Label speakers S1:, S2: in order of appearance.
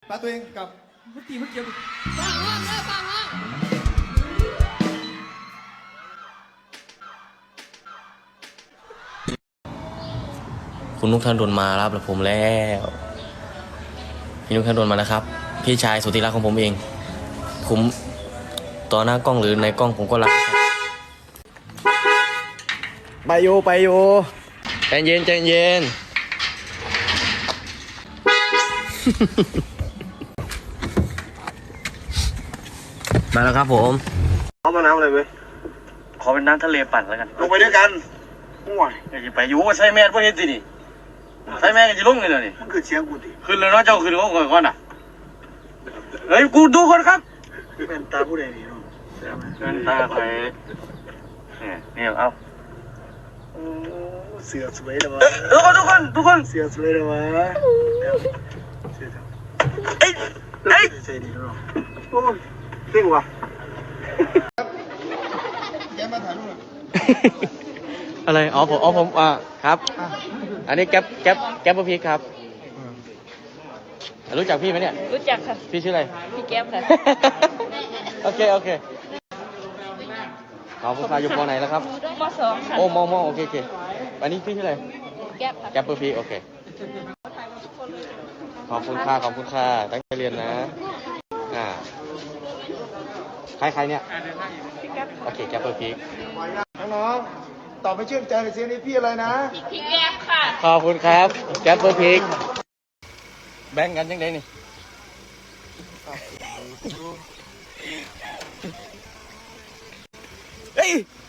S1: ปาตัวเองกับ
S2: เมื่อกี้มันเกี่ยวกับ
S3: ฟังห้องเลยฟังห้อง
S4: คุณนุกธนดลมารับผมแล้วพี่นุกธนดลมาแล้วครับพี่ชายสุดที่รักของผมเองผมต่อหน้ากล้องหรือในกล้องผมก็รักไปโยใจเย็นมาแล้วครับผม
S1: เอามาน้ำอะไรเว้ย
S4: ขอเป็นน้ำทะเลปั่นแล้วกัน
S1: ลงไปด้วยกันห่วย
S4: อย่าไปอยู่ใส่แมสพวกนี้สินี่ใส่แมสกันจะลงเลยนี่
S1: มันคือเสียงกูดิ
S4: ขึ้นเลยเนาะเจ้าขึ้นก่อนน่ะเฮ้ยกูดูคนครับ
S1: เป็นตาผู้ใดนี่เนาะ
S4: เงินตาไปเนี่ยเอา
S1: โอ้เสือสวยเลยวะ
S4: ทุกคน
S1: เสือสวยเลยวะเสือ
S4: เอ้ย
S1: ใจดีเนาะโอ้ยเก่งว่ะแกมาถ่ายรูป
S4: อะไรอ๋อผมครับอันนี้แก๊ปพี่ครับรู้จักพี่ไหมเนี่ย
S3: รู้จักค่ะ
S4: พี่ชื่ออะไร
S3: พี่แก้มค่ะ
S4: โอเคขอบคุณค่ะอยู่ปอไหนแล้วครับ
S3: มสองค่ะ
S4: โอ้มอโอเคอันนี้พี่ชื่ออะไร
S3: แก้มค่ะ
S4: แก๊ปพี่โอเคขอบคุณค่ะตั้งใจเรียนนะใครเนี่ย
S3: พี่แก้ม
S4: โอเคแก๊ปพี่
S1: น้องๆตอบไม่เชื่อใจเลยเสียงนี้พี่อะไรนะ
S3: พี่แก้มค่ะ
S4: ขอบคุณครับแก๊ปพี่แบ่งกันยังไงนี่เฮ้ย